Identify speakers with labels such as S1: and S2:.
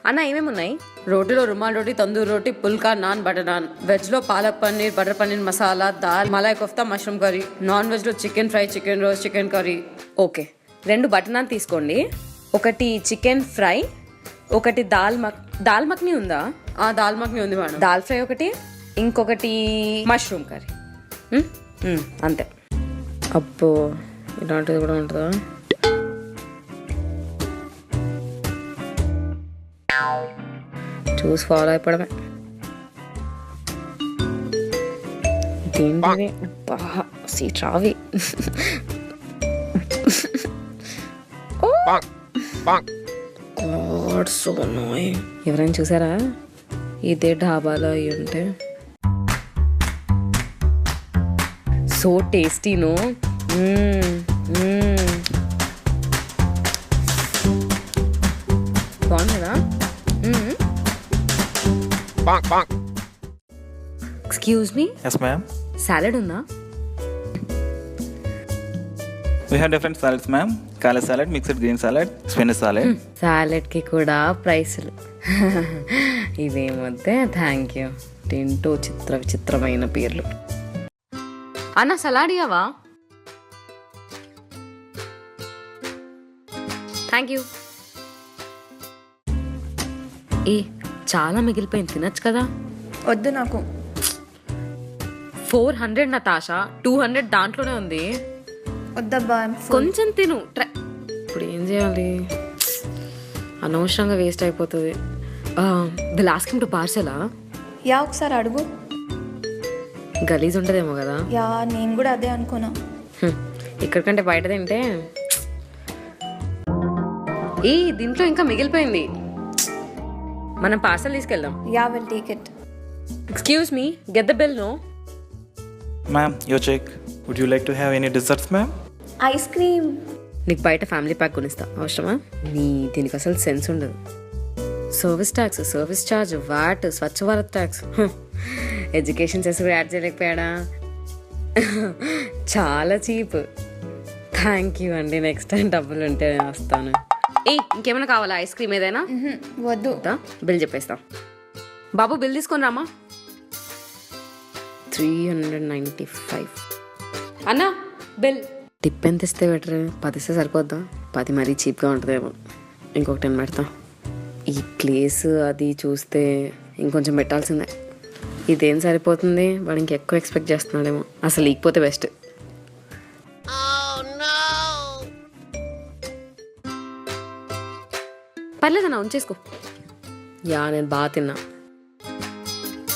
S1: అన్న ఏమేమి ఉన్నాయి? రోటీలో రుమాల్ రోటీ, తందూర్ రోటీ, పుల్కా, నాన్, బటర్ నాన్. వెజ్లో పాలక్ పన్నీర్, బటర్ పన్నీర్ మసాలా, దాల్, మలాయ్ కోఫ్తా, మష్రూమ్ కర్రీ. నాన్ వెజ్లో chicken fry, chicken roast, chicken curry. Okay, 2 butter naan తీసుకోండి. ఒకటి చికెన్ ఫ్రై, ఒకటి దాల్ మక్ని ఉందా? దాల్ మక్ని ఉంది మేడం. దాల్ ఫ్రై ఒకటి, ఇంకొకటి మష్రూమ్ కర్రీ. అంతే. అబ్బో, ఇలాంటిది కూడా ఉంటుందా? చూసి ఫాలో అయిపోవడమే. ఏంటిది? సీట్ రావి. So annoying. ఎవరైనా చూసారా? ఇదే ఢాబాలో అయ్యి ఉంటే. So tasty no. బాగుంది కదా? Excuse me.
S2: Yes, ma'am.
S1: Salad ఉందా?
S2: We have different salads, ma'am. Kala salad, mixed green salad, spinach salad.
S1: సాలెడ్కి కూడా ప్రైసులు. ఇవేమొద్దే, థ్యాంక్ యూ. తింటూ విచిత్రమైన పేర్లు. అన్న సలాడ్ ఇవ్వవా? Thank you. చాలా మిగిలిపోయింది, తినచ్చు కదా?
S3: వద్దు నాకు.
S1: 400 నతాషా, 200 దాంట్లోనే ఉంది.
S3: వద్దబ్బా,
S1: కొంచెం తిను. ఇప్పుడు ఏం చేయాలి? అనవసరంగా వేస్ట్ అయిపోతుంది. విల్ ఆస్క్ హిమ్ టు పార్సలా?
S3: యా, ఒకసారి అడుగు.
S1: గలీజ్ ఉంటుందేమో కదా?
S3: యా, నేను కూడా అదే అనుకున్నా.
S1: ఇక్కడికంటే బయట తింటే. దీంట్లో ఇంకా మిగిలిపోయింది. మనం పార్సల్ తీసుకెళ్దాం.
S3: Yeah, will take it.
S1: Excuse me, get the bill. No
S2: Ma'am, your check. Would you like to have any desserts, ma'am?
S3: Ice cream.
S1: నీకు బయట ఫ్యామిలీ ప్యాక్ కొనిస్తా, అవసరమా? దీనికి అసలు సెన్స్ ఉండదు. Service tax, service charge, VAT, Swachh Bharat tax. Education చేసి కూడా add చేయలేకపోయాడా? చాలా చీప్. థ్యాంక్ యూ అండి. నెక్స్ట్ టైం డబ్బులు ఉంటే నేను వస్తాను. ఇంకేమైనా కావాలా? ఐస్ క్రీమ్ ఏదైనా?
S3: వద్దు.
S1: బిల్ చెప్పేస్తా. బాబు బిల్ తీసుకొని రామా. 395. అన్నా బిల్. టిప్ ఎంత ఇస్తే బెటర్? 10 ఇస్తే సరిపోద్దా? 10 మరీ చీప్గా ఉంటుందేమో. ఇంకొక 10 పెడతా. ఈ ప్లేస్ అది చూస్తే ఇంకొంచెం పెట్టాల్సిందే. ఇదేం సరిపోతుంది? వాడు ఇంకెక్కువ ఎక్స్పెక్ట్ చేస్తున్నాడేమో. అసలు లేకపోతే బెస్ట్. పర్లేదన్నా, ఉంచేసుకో. యా, నేను బాగా తిన్నా.